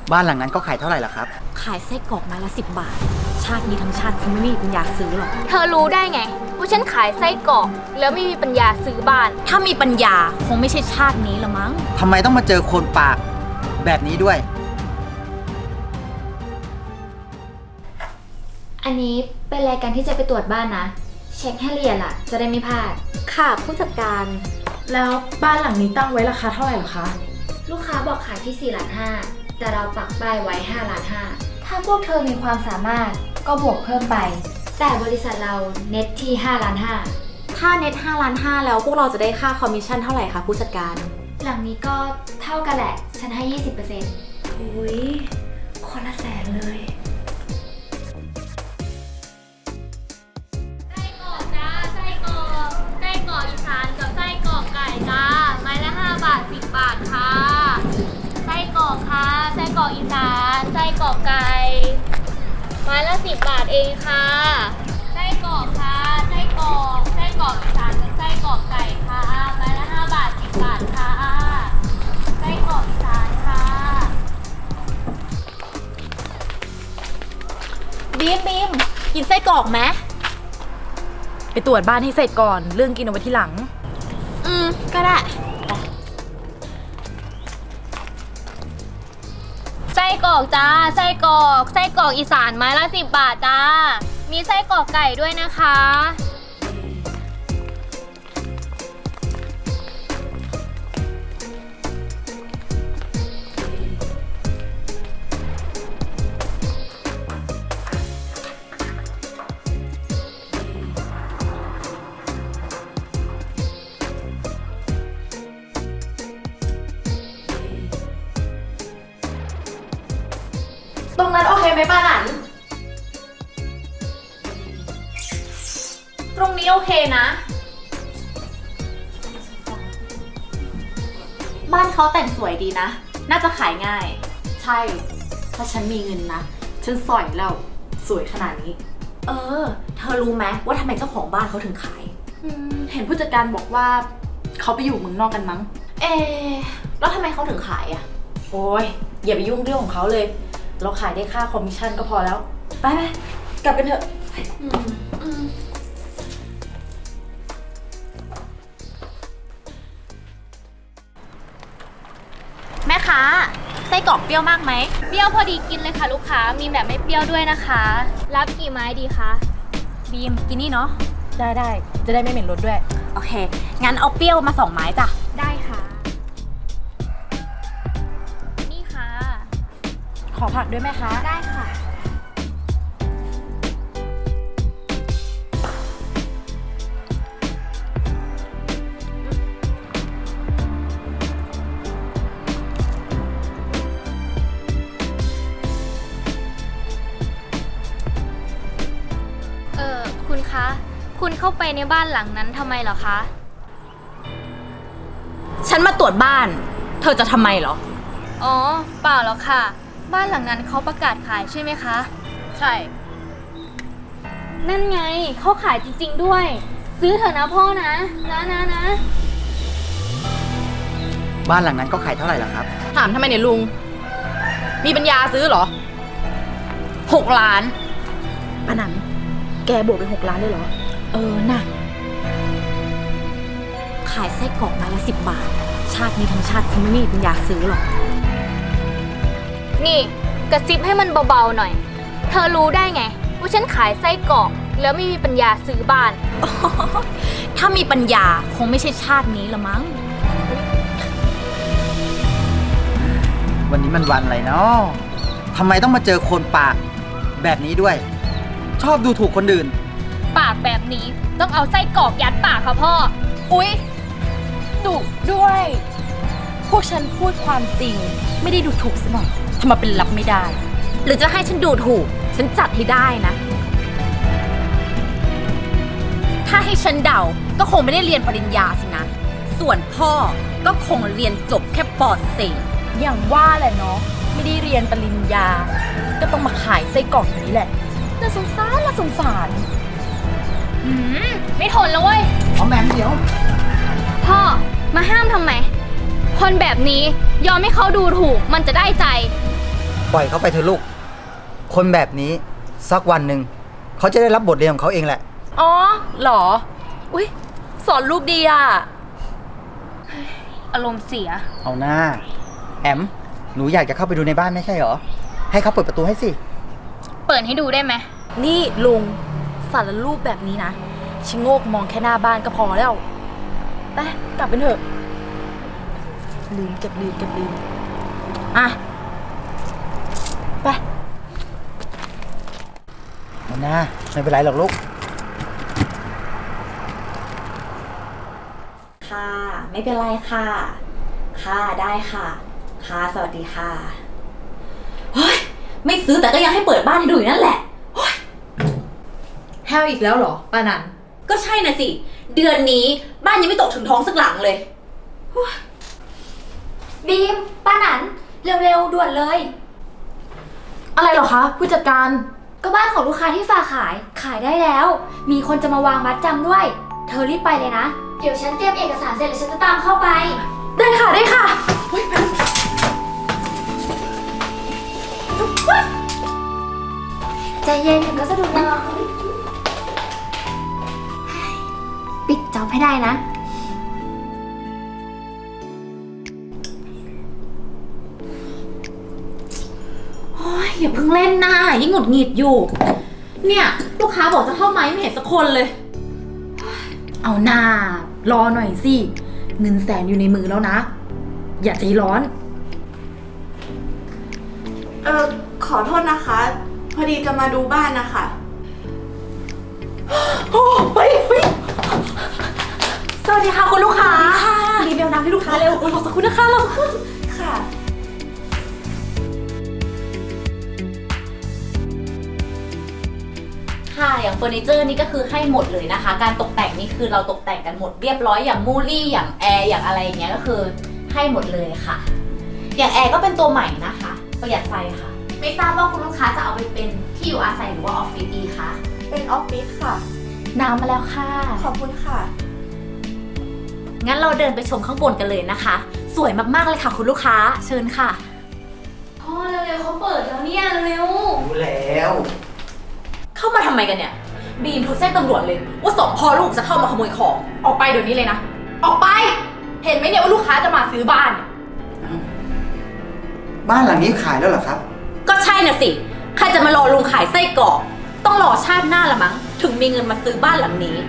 บ้านหลังนั้นก็ขายเท่าไหร่ล่ะครับขายไส้กรอกไม้ละ10 บาทชาตินี้ทั้งชาติคงไม่มีปัญญาซื้อหรอกเธอรู้ได้ไงว่าฉันขายไส้กรอกแล้วไม่มีปัญญาซื้อบ้านถ้ามีปัญญาคงไม่ใช่ชาตินี้ละมั้งทำไมต้องมาเจอคนปากแบบนี้ด้วยอันนี้เป็นรายการที่จะไปตรวจบ้านนะเช็คให้ละเอียดล่ะจะได้ไม่พลาดค่ะผู้จัดการแล้วบ้านหลังนี้ตั้งไว้ราคาเท่าไหร่หรอคะลูกค้าบอกขายที่4.5 ล้านแต่เราปักป้ายไว้5.5 ล้านถ้าพวกเธอมีความสามารถก็บวกเพิ่มไปแต่บริษัทเราเน็ตที่5.5 ล้านถ้าเน็ต5.5 ล้านแล้วพวกเราจะได้ค่าคอมมิชชั่นเท่าไหร่คะผู้จัดการหลังนี้ก็เท่ากันแหละฉันให้ 20% อุ้ยคนละ100,000เลยไส้กรอกจ้าไส้กรอกอีสานกับไส้กรอกไก่จ้าไม้ละ5 บาท10 บาทค่ะไส้กรอกค่ะไส้กรอกอีสานไส้กรอกไก่ไม้ละ10 บาทเองค่ะไส้กรอกค่ะไส้กรอกอีสานกับไส้กรอกไก่ค่ะไม้ละ5 บาท10 บาทค่ะไส้กรอกอีสานค่ะบีมกินไส้กรอกไหมไปตรวจบ้านให้เสร็จก่อนเรื่องกินเอาไว้ที่หลังก็ได้ไส้กรอกจ้าไส้กรอกอีสานไม้ละ10 บาทจ้ามีไส้กรอกไก่ด้วยนะคะตรงนั้นโอเคไหมป้าหนันตรงนี้โอเคนะบ้านเขาแต่งสวยดีนะน่าจะขายง่ายใช่ถ้าฉันมีเงินนะฉันสอยแล้วสวยขนาดนี้เธอรู้ไหมว่าทำไมเจ้าของบ้านเขาถึงขายเห็นผู้จัดการบอกว่าเขาไปอยู่เมืองนอกกันมั้งแล้วทำไมเขาถึงขายอ่ะโอ้ยอย่าไปยุ่งเรื่องของเขาเลยเราขายได้ค่าคอมมิชชั่นก็พอแล้วไปกลับกันเถอะแม่ค้าไส้กรอกเปรี้ยวมากไหมเปรี้ยวพอดีกินเลยค่ะลูกค้ามีแบบไม่เปรี้ยวด้วยนะคะรับกี่ไม้ดีคะบีมกินนี่เนาะได้จะได้ไม่เหม็นรสด้วยโอเคงั้นเอาเปรี้ยวมา2 ไม้จ้ะได้ค่ะนี่ค่ะขอผักด้วยไหมคะได้ค่ะคุณคะคุณเข้าไปในบ้านหลังนั้นทำไมเหรอคะฉันมาตรวจบ้านเธอจะทำไมเหรออ๋อเปล่าหรอกค่ะบ้านหลังนั้นเขาประกาศขายใช่ไหมคะใช่นั่นไงเขาขายจริงๆด้วยซื้อเถอะนะพ่อนะบ้านหลังนั้นก็ขายเท่าไหร่ล่ะครับถามทำไมเนี่ยลุงมีปัญญาซื้อเหรอ 6 ล้านป้าหนันแกบวกไป6 ล้านเลยเหรอน่ะขายไส้กรอกไม้ละ10 บาทชาตินี้ทั้งชาติคงไม่มีปัญญาซื้อหรอกนี่กระซิบให้มันเบาๆหน่อยเธอรู้ได้ไงว่าฉันขายไส้กรอกแล้วไม่มีปัญญาซื้อบ้านถ้ามีปัญญาคงไม่ใช่ชาตินี้ละมั้งวันนี้มันวันอะไรเนาะทำไมต้องมาเจอคนปากแบบนี้ด้วยชอบดูถูกคนอื่นปากแบบนี้ต้องเอาไส้กรอกยัดปากค่ะพ่ออุ๊ยดุด้วยพวกฉันพูดความจริงไม่ได้ดูถูกซะหน่อยทำมาเป็นรับไม่ได้หรือจะให้ฉันดูถูกฉันจัดให้ได้นะถ้าให้ฉันเดาก็คงไม่ได้เรียนปริญญาสินะส่วนพ่อก็คงเรียนจบแค่ป..4 อย่างว่าแหละเนาะไม่ได้เรียนปริญญาก็ต้องมาขายไส้กรอกอย่างนี้แหละน่าสงสารไม่ทนแล้วเว้ยเอาแหม่มเดี๋ยวพ่อมาห้ามทำไมคนแบบนี้ยอมให้เขาดูถูกมันจะได้ใจปล่อยเขาไปเถอะลูก คนแบบนี้สักวันหนึ่งเขาจะได้รับบทเรียนของเขาเองแหละอ๋อเหรอ อุ๊ย สอนลูกดีอ่ะอารมณ์เสียเอาหน้าแอม หนูอยากจะเข้าไปดูในบ้านไม่ใช่เหรอ ให้เขาเปิดประตูให้สิเปิดให้ดูได้ไหมนี่ลุงสารรูปแบบนี้นะชิโงกมองแค่หน้าบ้านก็พอแล้ว ไปกลับเป็นเถอะ ลืมอ่ะ ไปเอาหน้าไม่เป็นไรหรอกลูกค่ะ ไม่เป็นไรค่ะ ค่ะได้ค่ะ ค่ะสวัสดีค่ะเฮ้ยไม่ซื้อแต่ก็ยังให้เปิดบ้านให้ดูอยู่นั่นแหละเฮ้ยแฮวอีกแล้วเหรอป้านันก็ใช่น่ะสิ เดือนนี้บ้านยังไม่ตกถึงท้องสักหลังเลยบีม ป้าหนัน เร็วๆ ด่วนเลยอะไรเหรอคะผู้จัดการก็บ้านของลูกค้าที่ฝากขายได้แล้ว มีคนจะมาวางมัดจำด้วย เธอรีบไปเลยนะ เดี๋ยวฉันเตรียมเอกสารเสร็จแล้วฉันจะตามเข้าไปได้ค่ะได้ค่ะใจเย็นถึงก็สะดุดเราปิดจ็อบให้ได้นะโอ้ยอย่าเพิ่งเล่นนะยิ่งหงุดหงิดอยู่ เนี่ยลูกค้าบอกจะเข้าไหมไม่เห็นสักคนเลยเอาหน้ารอหน่อยสิ เงินแสนอยู่ในมือแล้วนะ อย่าใจร้อนขอโทษนะคะ พอดีจะมาดูบ้านนะคะสวัสดีค่ะคุณลูกค้ารีบเบลน้ำให้ลูกค้าเร็วรอสักครู่นะคะรอสักครู่ค่ะค่ะอย่างเฟอร์นิเจอร์นี่ก็คือให้หมดเลยนะคะ การตกแต่งนี่คือเราตกแต่งกันหมดเรียบร้อยอย่างมูลี่อย่างแอร์อย่างอะไรอย่างเงี้ยก็คือให้หมดเลยค่ะ อย่างแอร์ก็เป็นตัวใหม่นะคะประหยัดไฟค่ะ ไม่ทราบว่าคุณลูกค้าจะเอาไปเป็นที่อยู่อาศัยหรือว่าออฟฟิศดีคะเป็นออฟฟิศค่ะน้ำมาแล้วค่ะขอบคุณค่ะงั้นเราเดินไปชมข้างบนกันเลยนะคะ สวยมากๆเลยค่ะคุณลูกค้าเชิญค่ะพ่อเร็วๆเขาเปิดแล้วเนี่ยเร็วรู้แล้วเข้ามาทำไมกันเนี่ยบีมโทรแจ้งตำรวจเลยว่าสองพ่อลูกจะเข้ามาขโมยของออกไปเดี๋ยวนี้เลยนะ ออกไป เห็นไหมเนี่ยว่าลูกค้าจะมาซื้อบ้านบ้านหลังนี้ขายแล้วเหรอครับก็ใช่น่ะสิ ใครจะมารอลุงขายไส้กรอกต้องรอชาติหน้าละมั้ง ถึงมีเงินมาซื้อบ้านหลังนี้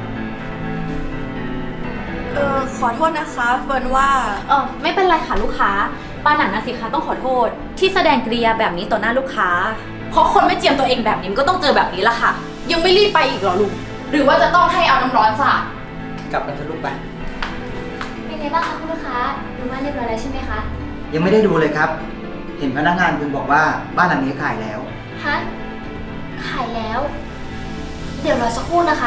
ขอโทษนะคะเฟิร์นว่าไม่เป็นไรค่ะลูกค้าป้าหนันนะสิคะต้องขอโทษ ที่แสดงกริยาแบบนี้ต่อหน้าลูกค้า เพราะคนไม่เจียมตัวเองแบบนี้มันก็ต้องเจอแบบนี้ละค่ะยังไม่รีบไปอีกเหรอลุง หรือว่าจะต้องให้เอาน้ำร้อนสาดกลับกันเถอะลูกไปๆเป็นไงบ้างคะคุณลูกค้า ดูบ้านเรียบร้อยแล้วใช่ไหมคะยังไม่ได้ดูเลยครับ เห็นพนักงานคุณบอกว่าบ้านหลังนี้ขายแล้วฮะ ขายแล้ว เดี๋ยวรอสักครู่นะคะ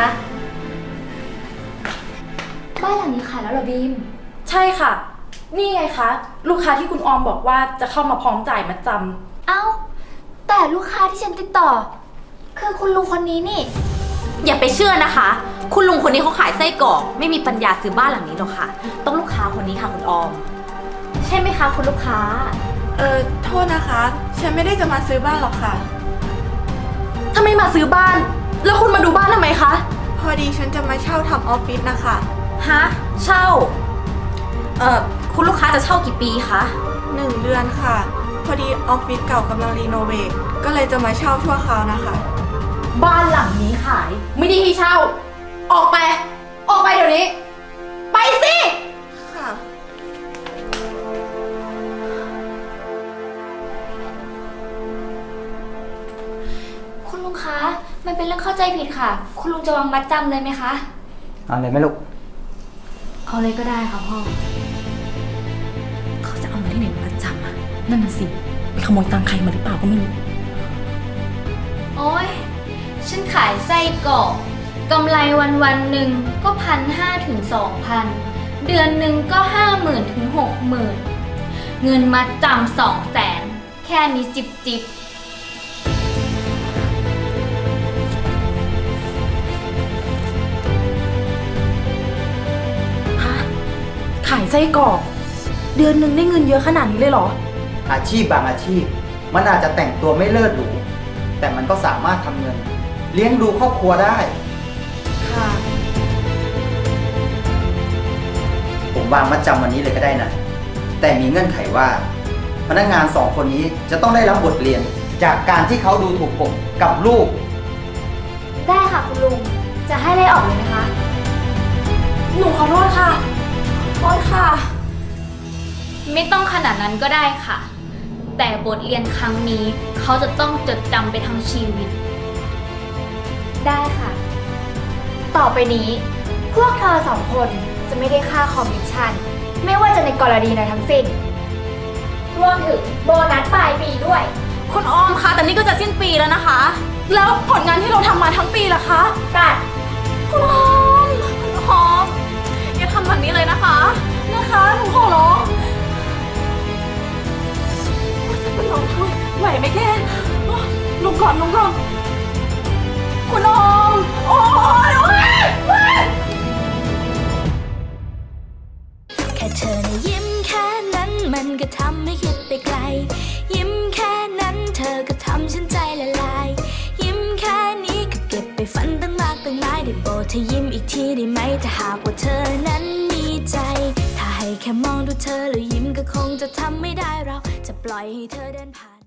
บ้านหลังนี้ขายแล้วเหรอบีมใช่ค่ะ นี่ไงคะ ลูกค้าที่คุณออมบอกว่าจะเข้ามาพร้อมจ่ายมัดจำเอ้า แต่ลูกค้าที่ฉันติดต่อ คือคุณลุงคนนี้นี่อย่าไปเชื่อนะคะ คุณลุงคนนี้เขาขายไส้กรอกไม่มีปัญญาซื้อบ้านหลังนี้หรอกค่ะ ต้องลูกค้าคนนี้ค่ะคุณออม ใช่ไหมคะคุณลูกค้าโทษนะคะ ฉันไม่ได้จะมาซื้อบ้านหรอกค่ะถ้าไม่มาซื้อบ้าน แล้วคุณมาดูบ้านทำไมคะพอดีฉันจะมาเช่าทำออฟฟิศนะคะฮะ เช่า คุณลูกค้าจะเช่ากี่ปีคะ 1 เดือนค่ะ พอดีออฟฟิศเก่ากำลังรีโนเวทก็เลยจะมาเช่าชั่วคราวนะคะบ้านหลังนี้ขาย ไม่ได้ให้เช่า ออกไป ออกไปเดี๋ยวนี้ ไปสิค่ะคุณลุงคะ มันเป็นเรื่องเข้าใจผิดค่ะ คุณลุงจะวางมัดจำเลยไหมคะเอาเลยไหมลูกเอาเลยก็ได้ค่ะพ่อเขาจะเอามาที่ไหนมามัดจำอะนั่นน่ะสิ ไปขโมยตังค์ใครมาหรือเปล่าก็ไม่รู้โอ๊ย ฉันขายไส้กรอกกำไรวันหนึ่งก็1,500 ถึง 2,000 เดือนหนึ่งก็ 50,000 ถึง 60,000 เงินมาจำ200,000 แค่นี้จิบจิบฮะ ขายไส้กรอก เดือนหนึ่งได้เงินเยอะขนาดนี้เลยเหรออาชีพบางอาชีพมันอาจจะแต่งตัวไม่เลิศหรูแต่มันก็สามารถทำเงิน เลี้ยงดูครอบครัวได้ค่ะผมวางมัดจำวันนี้เลยก็ได้นะ แต่มีเงื่อนไขว่า พนักงานสองคนนี้จะต้องได้รับบทเรียน จากการที่เขาดูถูกผมกับลูกได้ค่ะคุณลุง จะให้ไล่ออกเลยไหมคะหนูขอโทษค่ะ ขอโทษค่ะไม่ต้องขนาดนั้นก็ได้ค่ะ แต่บทเรียนครั้งนี้เขาจะต้องจดจำไปทั้งชีวิตได้ค่ะ ต่อไปนี้ พวกเธอสองคนจะไม่ได้ค่าคอมมิชชั่น ไม่ว่าจะในกรณีใดทั้งสิ้น รวมถึงโบนัสปลายปีด้วยคุณออมคะแต่นี่ก็จะสิ้นปีแล้วนะคะ แล้วผลงานที่เราทำมาทั้งปีล่ะคะกัดคุณออมคุณออมอย่าทำแบบนี้เลยนะคะ นะคะหนูขอร้องจะเป็นลมช่วยไหวไหมแกลงก่อนลงก่อนคุณออมโอ้ยโอ้ยแค่เธอนะยิ้มแค่นั้นมันก็ทำให้คิดไปไกล ยิ้มแค่นั้นเธอก็ทำฉันใจละลาย ยิ้มแค่นี้ก็เก็บไปฝันตั้งมากตั้งหลายได้โปรดเธอยิ้มอีกทีได้ไหมถ้าหากว่าเธอนั้นมีใจ ถ้าให้แค่มองดูเธอแล้วยิ้มก็คงจะทำไม่ได้เราจะปล่อยให้เธอเดินผ่าน